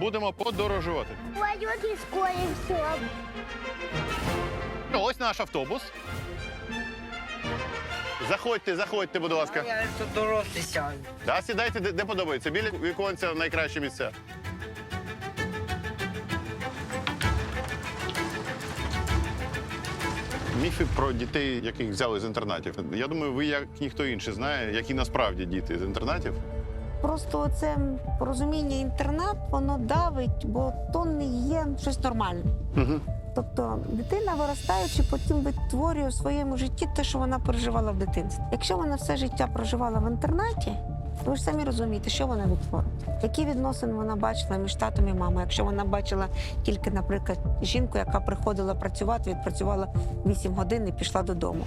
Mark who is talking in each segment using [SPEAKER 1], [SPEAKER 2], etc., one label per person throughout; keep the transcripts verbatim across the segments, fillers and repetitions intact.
[SPEAKER 1] будемо подорожувати.
[SPEAKER 2] Пойдет и скорее все.
[SPEAKER 1] Ось наш автобус. Заходьте, заходьте, будь ласка.
[SPEAKER 3] Я тут дорослий сяду.
[SPEAKER 1] Да, сідайте, де, де подобається. Біля віконця найкраще місце. Міфи про дітей, яких взяли з інтернатів. Я думаю, ви, як ніхто інший, знає, які насправді діти з інтернатів.
[SPEAKER 4] Просто це порозуміння інтернат, воно давить, бо то не є щось нормальне.
[SPEAKER 1] Угу.
[SPEAKER 4] Тобто дитина, виростаючи, потім витворює у своєму житті те, що вона переживала в дитинстві. Якщо вона все життя проживала в інтернаті, ви ж самі розумієте, що вона відтворить. Які відносини вона бачила між татом і мамою, якщо вона бачила тільки, наприклад, жінку, яка приходила працювати, відпрацювала вісім годин і пішла додому.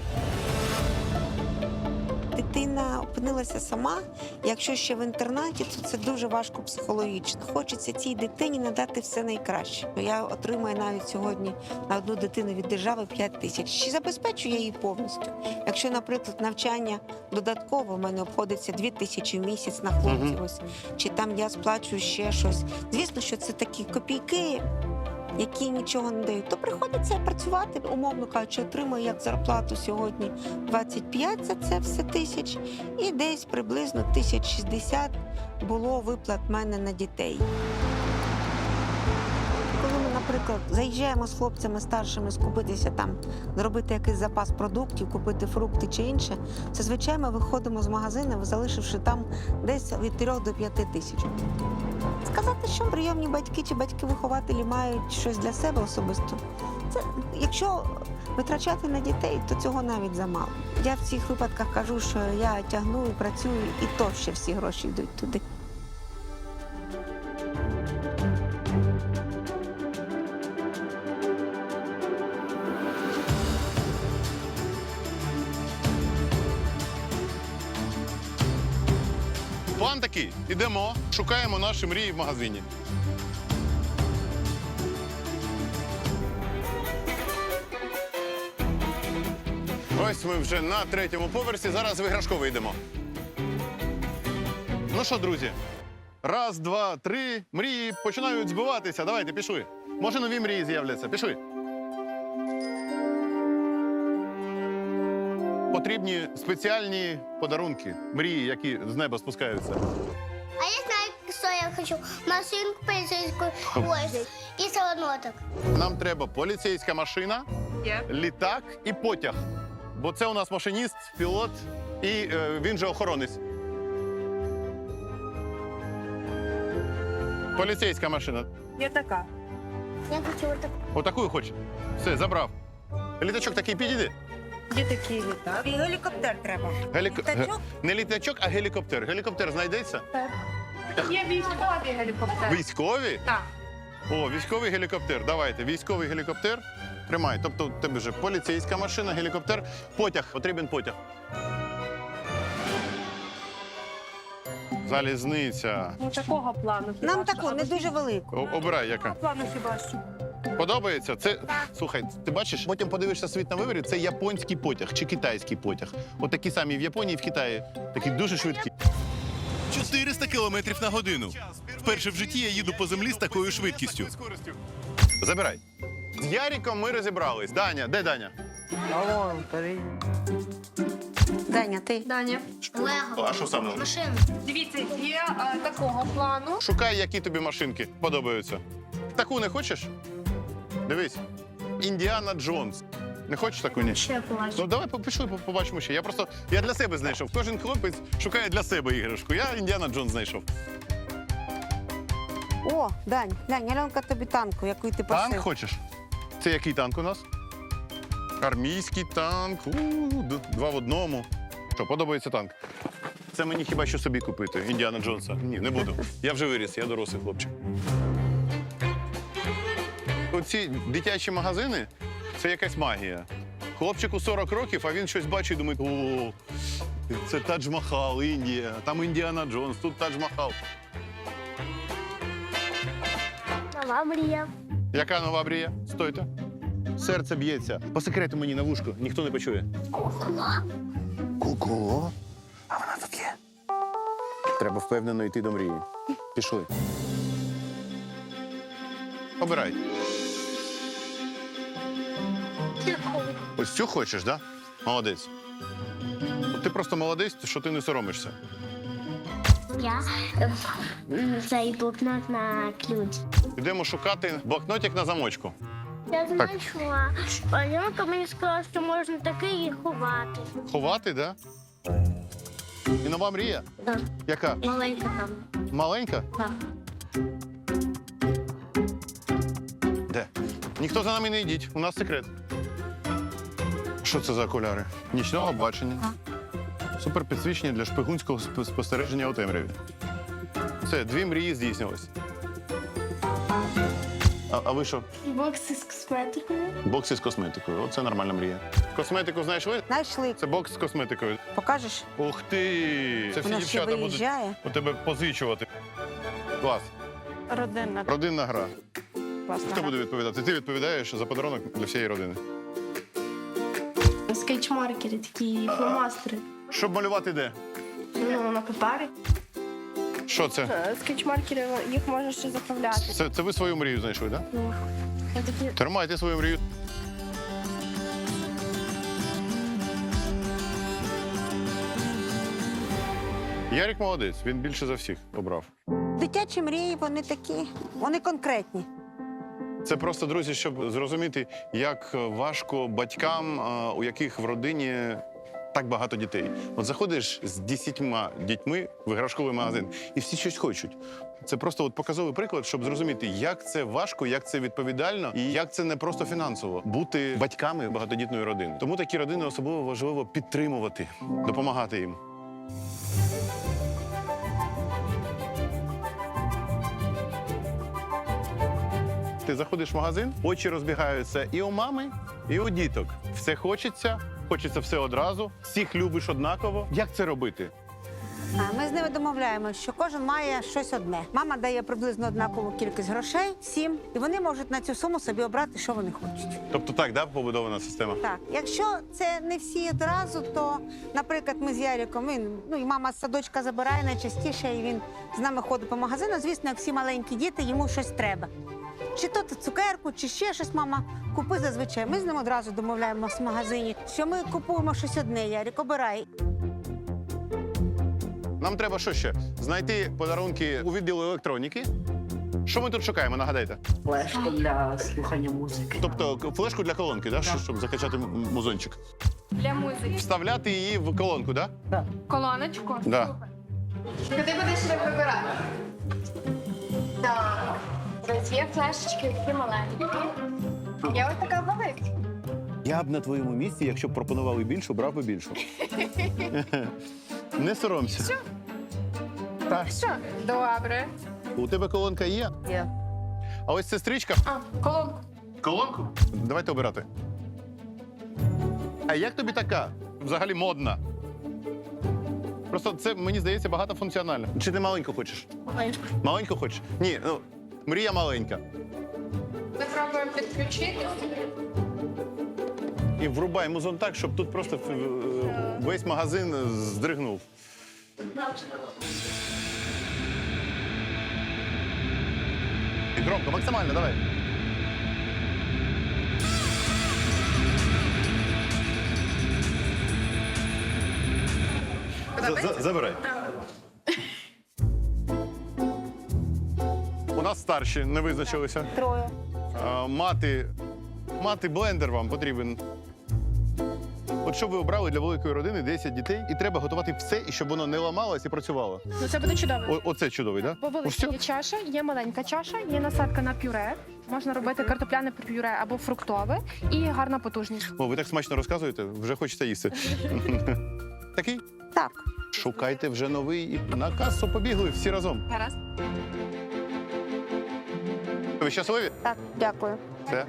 [SPEAKER 4] Дитина опинилася сама, якщо ще в інтернаті, то це дуже важко психологічно. Хочеться цій дитині надати все найкраще. Я отримую навіть сьогодні на одну дитину від держави п'ять тисяч. Чи забезпечую я її повністю? Якщо, наприклад, навчання додатково в мене обходиться дві тисячі в місяць на хлопців, ось, чи там я сплачую ще щось. Звісно, що це такі копійки, які нічого не дають, то приходиться працювати, умовно кажучи, отримую як зарплату сьогодні двадцять п'ять за це все тисяч, і десь приблизно тисяч шістдесят було виплат в мене на дітей. Коли ми, наприклад, заїжджаємо з хлопцями старшими скупитися там, зробити якийсь запас продуктів, купити фрукти чи інше, це, звичайно, виходимо з магазину, залишивши там десь від трьох до п'яти тисяч. Сказати, що прийомні батьки чи батьки-вихователі мають щось для себе особисто, це, якщо витрачати на дітей, то цього навіть замало. Я в цих випадках кажу, що я тягну і працюю, і то ще всі гроші йдуть туди.
[SPEAKER 1] План такий. Ідемо, шукаємо наші мрії в магазині. Ось ми вже на третьому поверсі, зараз в іграшковий йдемо. Ну що, друзі, раз, два, три, мрії починають збиватися. Давайте, пішли. Може, нові мрії з'являться. Пішли. Потрібні спеціальні подарунки, мрії, які з неба спускаються.
[SPEAKER 2] А я знаю, что я хочу. Машинку полицейскую, ой, и солоноток.
[SPEAKER 1] Нам треба поліцейська машина, літак і потяг. Бо це у нас машиніст, пілот і е, він же охоронець. Поліцейська машина.
[SPEAKER 5] Я така.
[SPEAKER 2] Я хочу вот так.
[SPEAKER 1] Отаку хоче. Все, забрав. Літачок такий підійде.
[SPEAKER 5] Є такий літак.
[SPEAKER 4] І гелікоптер треба.
[SPEAKER 1] Гелік...
[SPEAKER 4] Літачок?
[SPEAKER 1] ге- Не літачок, а гелікоптер. Гелікоптер знайдеться?
[SPEAKER 5] Є військові гелікоптери.
[SPEAKER 1] Військові?
[SPEAKER 5] Так.
[SPEAKER 1] О, військовий гелікоптер. Давайте, військовий гелікоптер. Тримай. Тобто, у тебе вже поліцейська машина, гелікоптер, потяг. Потрібен потяг. Залізниця.
[SPEAKER 5] Ну, такого плану. хіба
[SPEAKER 4] Нам
[SPEAKER 5] що.
[SPEAKER 4] таку, не дуже велику.
[SPEAKER 1] О, обирай, яка.
[SPEAKER 5] Такого плану хіба що.
[SPEAKER 1] Подобається? Це, слухай, ти бачиш, потім подивишся світ на виворі, це японський потяг чи китайський потяг. От такі самі в Японії і в Китаї. Такі дуже швидкі.
[SPEAKER 6] чотириста кілометрів на годину. Вперше в житті я їду по землі з такою швидкістю.
[SPEAKER 1] Забирай. З Яріком ми розібрались. Даня, де Даня?
[SPEAKER 3] Алло, старий.
[SPEAKER 4] Даня, ти?
[SPEAKER 5] Даня,
[SPEAKER 2] Лего.
[SPEAKER 1] А що саме?
[SPEAKER 2] Машина.
[SPEAKER 5] дивіться, є е, такого плану.
[SPEAKER 1] Шукай, які тобі машинки подобаються. Таку не хочеш? Дивись. Індіана Джонс. Не хочеш таку, ні?
[SPEAKER 2] Ще плачу.
[SPEAKER 1] Ну давай пішли, побачимо ще. Я просто я для себе знайшов. Кожен хлопець шукає для себе іграшку. Я Індіана Джонс знайшов.
[SPEAKER 4] О, Дань, Дань, Альонка тобі танку, яку ти просив.
[SPEAKER 1] Танк хочеш? Це який танк у нас? Армійський танк. У, д- два в одному. Що, подобається танк? Це мені хіба що собі купити, Індіана Джонса. Ні, не буду. Я вже виріс, я дорослий хлопчик. Оці дитячі магазини – це якась магія. Хлопчику сорок років, а він щось бачить і думає, о, це Тадж-Махал, Індія, там Індіана Джонс, тут Тадж-Махал.
[SPEAKER 2] Нова мрія.
[SPEAKER 1] Яка нова мрія? Стойте. Серце б'ється. По секрету мені на вушко, ніхто не почує. Куколо? А вона тут є. Треба впевнено йти до мрії. Пішли. Обирай. Ось цю хочеш, так? Да? Молодець. Ти просто молодець, що ти не соромишся.
[SPEAKER 2] Я м, цей блокнот на ключ.
[SPEAKER 1] Йдемо шукати блокнотик на замочку.
[SPEAKER 2] Я знайшла. Панянка мені сказала, що можна такий і ховати.
[SPEAKER 1] Ховати, так? Да? І нова мрія?
[SPEAKER 2] Так,
[SPEAKER 1] Яка?
[SPEAKER 2] маленька там.
[SPEAKER 1] Маленька?
[SPEAKER 2] Так.
[SPEAKER 1] Де? Ніхто за нами не йдіть, у нас секрет. Що це за окуляри? Нічного бачення. Суперпідсвічення для шпигунського сп- спостереження у темряві. Все, дві мрії здійснились. А, а ви що?
[SPEAKER 2] Бокси з косметикою.
[SPEAKER 1] Бокси з косметикою. Оце нормальна мрія. Косметику знайшли?
[SPEAKER 4] Знайшли.
[SPEAKER 1] Це бокс з косметикою.
[SPEAKER 4] Покажеш?
[SPEAKER 1] Ух ти! Це всі
[SPEAKER 4] Вона ще
[SPEAKER 1] дівчата будуть
[SPEAKER 4] виїжджає.
[SPEAKER 1] у тебе позичувати. Клас.
[SPEAKER 5] Родинна.
[SPEAKER 1] Родинна гра.
[SPEAKER 4] Класна
[SPEAKER 1] Хто
[SPEAKER 4] гра.
[SPEAKER 1] буде відповідати? Ти відповідаєш за подарунок для всієї родини.
[SPEAKER 5] Скетчмаркери, такі фломастери.
[SPEAKER 1] Щоб малювати де?
[SPEAKER 5] Ну, на папері.
[SPEAKER 1] Що це?
[SPEAKER 5] Е, Скетчмаркери, їх можна ще заправляти.
[SPEAKER 1] Це, це ви свою мрію знайшли, так? Да?
[SPEAKER 5] Ну, це такі...
[SPEAKER 1] Тримайте свою мрію. Ярик молодець, він більше за всіх обрав.
[SPEAKER 4] Дитячі мрії, вони такі, вони конкретні.
[SPEAKER 1] Це просто, друзі, щоб зрозуміти, як важко батькам, а, у яких в родині так багато дітей. От заходиш з десятьма дітьми в іграшковий магазин, і всі щось хочуть. Це просто от показовий приклад, щоб зрозуміти, як це важко, як це відповідально і як це не просто фінансово бути батьками багатодітної родини. Тому такі родини особливо важливо підтримувати, допомагати їм. Ти заходиш в магазин, очі розбігаються і у мами, і у діток. Все хочеться, хочеться все одразу, всіх любиш однаково. Як це робити?
[SPEAKER 4] А Ми з ними домовляємося, що кожен має щось одне. Мама дає приблизно однакову кількість грошей, всім, і вони можуть на цю суму собі обрати, що вони хочуть.
[SPEAKER 1] Тобто так, да, побудована система?
[SPEAKER 4] Так, якщо це не всі одразу, то, наприклад, ми з Яриком, він, ну і мама з садочка забирає найчастіше, і він з нами ходить по магазину. Звісно, як всі маленькі діти, йому щось треба. Чи то цукерку, чи ще щось, мама, купи зазвичай. Ми з ним одразу домовляємося в магазині, що ми купуємо щось одне, Ярик, обирай.
[SPEAKER 1] Нам треба що ще? Знайти подарунки у відділу електроніки. Що ми тут шукаємо, нагадайте?
[SPEAKER 3] Флешку для слухання музики.
[SPEAKER 1] Тобто к- флешку для колонки, да? Що- щоб закачати м- музончик.
[SPEAKER 5] Для музики.
[SPEAKER 1] Вставляти її в колонку, да?
[SPEAKER 5] Колоночку.
[SPEAKER 1] Да.
[SPEAKER 5] Куди будеш так вибирати? Так. Ось є флешечки такі маленькі. Є ось така велика.
[SPEAKER 1] Я б на твоєму місці, якщо б пропонували більшу, брав би більшу. Не соромся. Так.
[SPEAKER 5] Що? Добре.
[SPEAKER 1] У тебе колонка є?
[SPEAKER 4] Є.
[SPEAKER 1] А ось сестричка.
[SPEAKER 5] А, колонку.
[SPEAKER 1] Колонку? Давайте обирати. А як тобі така? Взагалі модна. Просто це, мені здається, багатофункціонально. Чи ти маленьку хочеш?
[SPEAKER 5] Маленьку.
[SPEAKER 1] Маленьку хочеш? Ні, ну, мрія маленька.
[SPEAKER 5] Ми пробуємо підключити.
[SPEAKER 1] І врубай музон так, щоб тут просто е, весь магазин здригнув. І громко, максимально, давай. За- за- Забирай. У нас старші не визначилися.
[SPEAKER 4] Троє.
[SPEAKER 1] А, мати, мати блендер вам потрібен. От що ви обрали для великої родини десять дітей, і треба готувати все, і щоб воно не ламалось і працювало.
[SPEAKER 5] Ну це буде чудово.
[SPEAKER 1] О, оце чудовий, так?
[SPEAKER 5] Бо
[SPEAKER 1] Да?
[SPEAKER 5] велика є чаша, є маленька чаша, є насадка на пюре. Можна робити картопляне пюре або фруктове і гарна потужність.
[SPEAKER 1] О, ви так смачно розказуєте, вже хочеться їсти. Такий?
[SPEAKER 4] Так.
[SPEAKER 1] Шукайте вже новий і на касу побігли всі разом.
[SPEAKER 5] Гаразд.
[SPEAKER 1] Ви щасливі?
[SPEAKER 4] Так, дякую.
[SPEAKER 1] Все.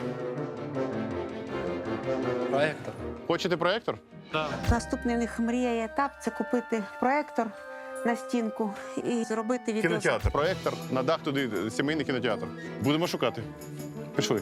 [SPEAKER 7] Проектор.
[SPEAKER 1] Хочете проєктор?
[SPEAKER 4] Наступний в них мрія і етап це купити проектор на стінку і зробити відео.
[SPEAKER 1] Кінотеатр. Проєктор, на дах туди сімейний кінотеатр. Будемо шукати. Пішли.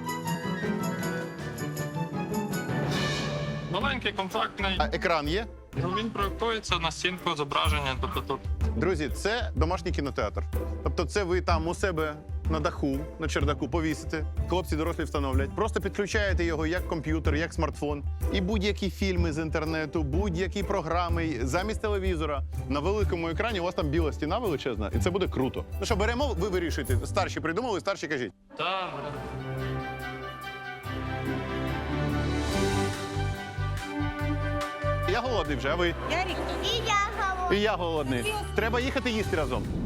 [SPEAKER 7] Маленький, компактний.
[SPEAKER 1] А екран є?
[SPEAKER 7] Ну, він проєктується на стінку зображення, тобто тут.
[SPEAKER 1] Друзі, це домашній кінотеатр. Тобто, це ви там у себе на даху, на чердаку повісите. Хлопці дорослі встановлять. Просто підключаєте його як комп'ютер, як смартфон. І будь-які фільми з інтернету, будь-які програми замість телевізора. На великому екрані у вас там біла стіна величезна, і це буде круто. Ну що, беремо, ви вирішуєте. Старші придумали, старші кажіть.
[SPEAKER 7] Так,
[SPEAKER 1] Я голодний вже, а ви?
[SPEAKER 2] І я говорю.
[SPEAKER 1] І я голодний. Треба їхати їсти разом.